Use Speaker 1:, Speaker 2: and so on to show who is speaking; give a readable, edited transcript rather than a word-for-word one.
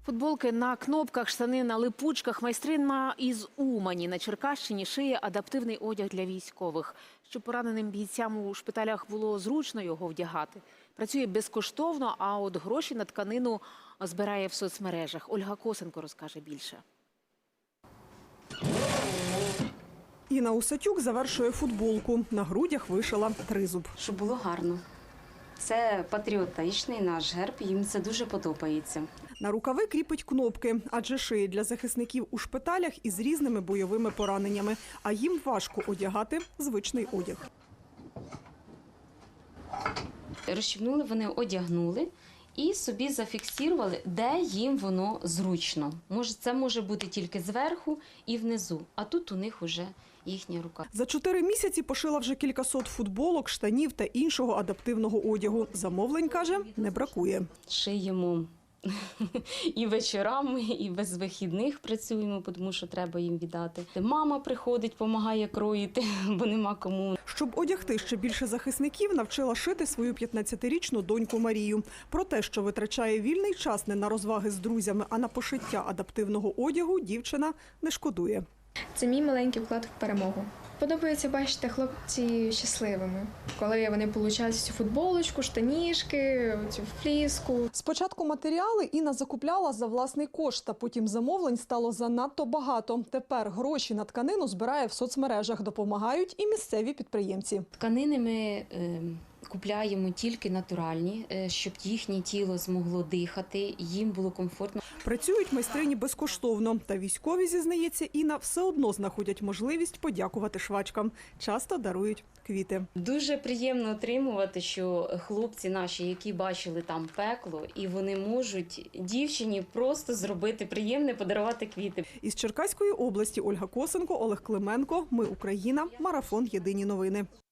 Speaker 1: Футболки на кнопках, штани на липучках. Майстриня із Умані на Черкащині шиє адаптивний одяг для військових. Щоб пораненим бійцям у шпиталях було зручно його вдягати. Працює безкоштовно, а от гроші на тканину збирає в соцмережах. Ольга Косенко розкаже більше.
Speaker 2: Інна Усатюк завершує футболку. На грудях вишила тризуб.
Speaker 3: Щоб було гарно. Це патріотичний наш герб, їм це дуже подобається.
Speaker 2: На рукави кріпить кнопки, адже шиє для захисників у шпиталях із різними бойовими пораненнями. А їм важко одягати звичний одяг.
Speaker 3: Розчіпнули, вони одягнули і собі зафіксували, де їм воно зручно. Це може бути тільки зверху і внизу, а тут у них вже їхня рука.
Speaker 2: За 4 місяці пошила вже кількасот футболок, штанів та іншого адаптивного одягу. Замовлень, каже, не бракує.
Speaker 3: Шиємо і вечорами, і без вихідних працюємо, тому що треба їм віддати. Мама приходить, допомагає кроїти, бо нема кому.
Speaker 2: Щоб одягти ще більше захисників, навчила шити свою 15-річну доньку Марію. Про те, що витрачає вільний час не на розваги з друзями, а на пошиття адаптивного одягу, дівчина не шкодує.
Speaker 4: Це мій маленький вклад в перемогу. Подобається бачити хлопці щасливими, коли вони отримують цю футболочку, штанішки, цю фліску.
Speaker 2: Спочатку матеріали Інна закупляла за власний кошт, а потім замовлень стало занадто багато. Тепер гроші на тканину збирає в соцмережах, допомагають і місцеві підприємці.
Speaker 3: Тканини ми купляємо тільки натуральні, щоб їхнє тіло змогло дихати, їм було комфортно.
Speaker 2: Працюють майстрині безкоштовно. Та військові, зізнається Інна, все одно знаходять можливість подякувати швачкам. Часто дарують квіти.
Speaker 3: Дуже приємно отримувати, що хлопці наші, які бачили там пекло, і вони можуть дівчині просто зробити приємне, подарувати квіти.
Speaker 2: Із Черкаської області Ольга Косенко, Олег Клименко. Ми Україна. Марафон. Єдині новини.